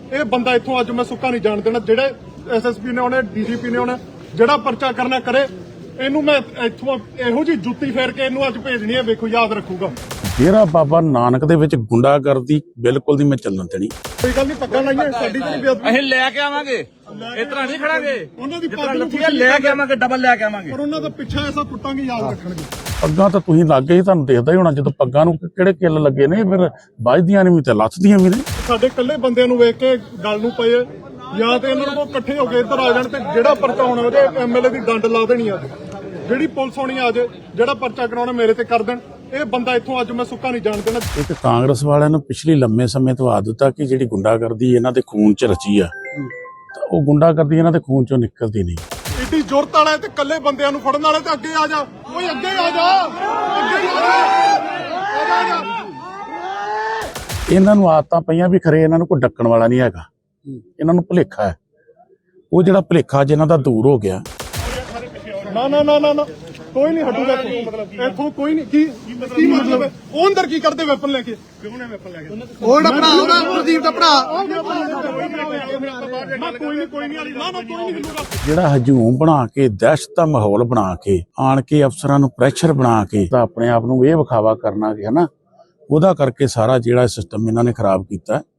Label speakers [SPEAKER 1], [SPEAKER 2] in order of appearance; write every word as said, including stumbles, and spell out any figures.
[SPEAKER 1] ਇਹ ਬੰਦਾ ਇੱਥੋਂ ਅੱਜ ਮੈਂ ਸੁੱਕਾ ਨਹੀਂ ਜਾਣ ਦੇਣਾ। ਜਿਹੜੇ ਐਸਐਸਪੀ ਨੇ ਉਹਨੇ ਡੀਜੀਪੀ ਨੇ ਉਹਨੇ ਜਿਹੜਾ ਪਰਚਾ ਕਰਨਾ ਕਰੇ। ਇਹਨੂੰ ਮੈਂ ਇੱਥੋਂ ਇਹੋ ਜੀ ਜੁੱਤੀ ਫੇਰ ਕੇ ਇਹਨੂੰ ਅੱਜ ਭੇਜਣੀ ਹੈ, ਵੇਖੋ ਯਾਦ ਰੱਖੂਗਾ।
[SPEAKER 2] ਡੇਰਾ ਬਾਬਾ ਨਾਨਕ ਦੇ ਵਿੱਚ ਗੁੰਡਾਗਰਦੀ ਬਿਲਕੁਲ ਨਹੀਂ ਮੈਂ ਚੱਲਣ ਦੇਣੀ।
[SPEAKER 1] ਕੋਈ ਗੱਲ ਨਹੀਂ, ਪੱਕਾ ਲਾਈਏ ਸਾਡੀ ਤੇ ਬੇਅਦਬੀ
[SPEAKER 3] ਅਸੀਂ ਲੈ ਕੇ ਆਵਾਂਗੇ, ਇਸ ਤਰ੍ਹਾਂ ਨਹੀਂ ਖੜਾਂਗੇ।
[SPEAKER 1] ਉਹਨਾਂ ਦੀ
[SPEAKER 3] ਪੱਗ ਲੱਥੀ ਹੈ, ਲੈ ਕੇ ਆਵਾਂਗੇ, ਡਬਲ ਲੈ ਕੇ ਆਵਾਂਗੇ।
[SPEAKER 1] ਪਰ ਉਹਨਾਂ ਦਾ ਪਿੱਛਾ ਐਸਾ ਕੁੱਟਾਂਗੇ, ਯਾਦ ਰੱਖਣਗੇ।
[SPEAKER 2] ਪੱਗਾਂ ਤਾਂ ਤੁਸੀਂ ਲੱਗ ਗਏ, ਤੁਹਾਨੂੰ ਦੇਖਦਾ ਹੀ ਹੋਣਾ ਜਦੋਂ ਪੱਗਾਂ ਨੂੰ ਕਿਹੜੇ ਕਿੱਲ ਲੱਗੇ ਨੇ, ਫਿਰ ਵੱਜਦੀਆਂ ਨੇ ਵੀ ਤੇ ਲੱਥਦੀਆਂ ਵੀ ਨੇ।
[SPEAKER 1] ਸਾਡੇ ਇਕੱਲੇ ਬੰਦਿਆਂ ਨੂੰ ਵੇਖ ਕੇ ਗੱਲ ਨੂੰ ਪਏ ਜਾਂ ਤੇ ਇਹਨਾਂ ਨੂੰ ਇਕੱਠੇ ਹੋ ਕੇ ਇੱਧਰ ਆ ਜਾਣ ਤੇ ਜਿਹੜਾ ਪਰਚਾ ਹੋਣਾ ਉਹਦੇ ਐਮਐਲਏ ਦੀ ਡੰਡ ਲਾ ਦੇਣੀ ਅੱਜ। ਜਿਹੜੀ ਪੁਲਿਸ ਹੋਣੀ ਆ ਜੇ, ਜਿਹੜਾ ਪਰਚਾ ਕਰਾਉਣਾ ਮੇਰੇ ਤੇ ਕਰ ਦੇਣ। ਇਹ ਬੰਦਾ ਇੱਥੋਂ ਅੱਜ ਮੈਂ ਸੁੱਕਾ ਨਹੀਂ ਜਾਣ ਦੇਣਾ।
[SPEAKER 2] ਇੱਕ ਕਾਂਗਰਸ ਵਾਲਿਆਂ ਨੂੰ ਪਿਛਲੀ ਲੰਮੇ ਸਮੇਂ ਤੋਂ ਆਦਤ ਆ ਕਿ ਜਿਹੜੀ ਗੁੰਡਾਗਰਦੀ ਇਹਨਾਂ ਦੇ ਖੂਨ 'ਚ ਰਚੀ ਆ, ਤਾਂ ਉਹ ਗੁੰਡਾਗਰਦੀ ਇਹਨਾਂ ਦੇ ਖੂਨ 'ਚੋਂ ਨਿਕਲਦੀ ਨਹੀਂ।
[SPEAKER 1] ਇੱਡੀ ਜ਼ੁਰਤ ਵਾਲਾ ਤੇ ਇਕੱਲੇ ਬੰਦਿਆਂ ਨੂੰ ਫੜਨ ਵਾਲੇ ਤੇ ਅੱਗੇ ਆ ਜਾ, ਓਏ ਅੱਗੇ ਆ ਜਾ, ਅੱਗੇ ਆ ਜਾ, ਆ ਜਾ।
[SPEAKER 2] ਇਹਨਾਂ ਨੂੰ ਆਦਤਾਂ ਪਈਆਂ ਵੀ ਖਰੇ ਇਹਨਾਂ ਨੂੰ ਕੋਈ ਡੱਕਣ ਵਾਲਾ ਨਹੀਂ ਹੈਗਾ, ਇਹਨਾਂ ਨੂੰ ਭੁਲੇਖਾ ਹੈ। ਉਹ ਜਿਹੜਾ ਭੁਲੇਖਾ ਜਿਹਨਾਂ ਦਾ ਦੂਰ ਹੋ ਗਿਆ।
[SPEAKER 1] ਨਾ ਨਾ ਨਾ ਨਾ ਨਾ ਕੋਈ ਨਹੀਂ ਹਟੂਗਾ ਇੱਥੋਂ, ਕੋਈ ਨਹੀਂ। ਕੀ ਕੀ ਮਤਲਬ ਹੈ? ਉਹ ਅੰਦਰ ਕੀ ਕਰਦੇ ਵੈਪਨ ਲੈ ਕੇ? ਕਿਉਂ ਨੇ ਵੈਪਨ ਲੈ ਕੇ? ਉਹ ਜਿਹੜਾ ਭਰਾ ਉਹਦਾ ਪ੍ਰਦੀਪ ਦਾ ਭਰਾ। ਨਾ ਕੋਈ ਨਹੀਂ, ਕੋਈ ਨਹੀਂ, ਨਾ ਨਾ ਕੋਈ ਨਹੀਂ ਹਿੱਲੂਗਾ।
[SPEAKER 2] ਜਿਹੜਾ ਹਜੂਮ ਬਣਾ ਕੇ, ਦਹਿਸ਼ਤ ਦਾ ਮਾਹੌਲ ਬਣਾ ਕੇ, ਆਣ ਕੇ ਅਫਸਰਾਂ ਨੂੰ ਪ੍ਰੈਸ਼ਰ ਬਣਾ ਕੇ ਤਾਂ ਆਪਣੇ ਆਪ ਨੂੰ ਇਹ ਵਿਖਾਵਾ ਕਰਨਾ ਕਿ ਹਨਾ, ਉਹਦਾ ਕਰਕੇ ਸਾਰਾ ਜਿਹੜਾ ਸਿਸਟਮ ਇਹਨਾਂ ਨੇ ਖਰਾਬ ਕੀਤਾ।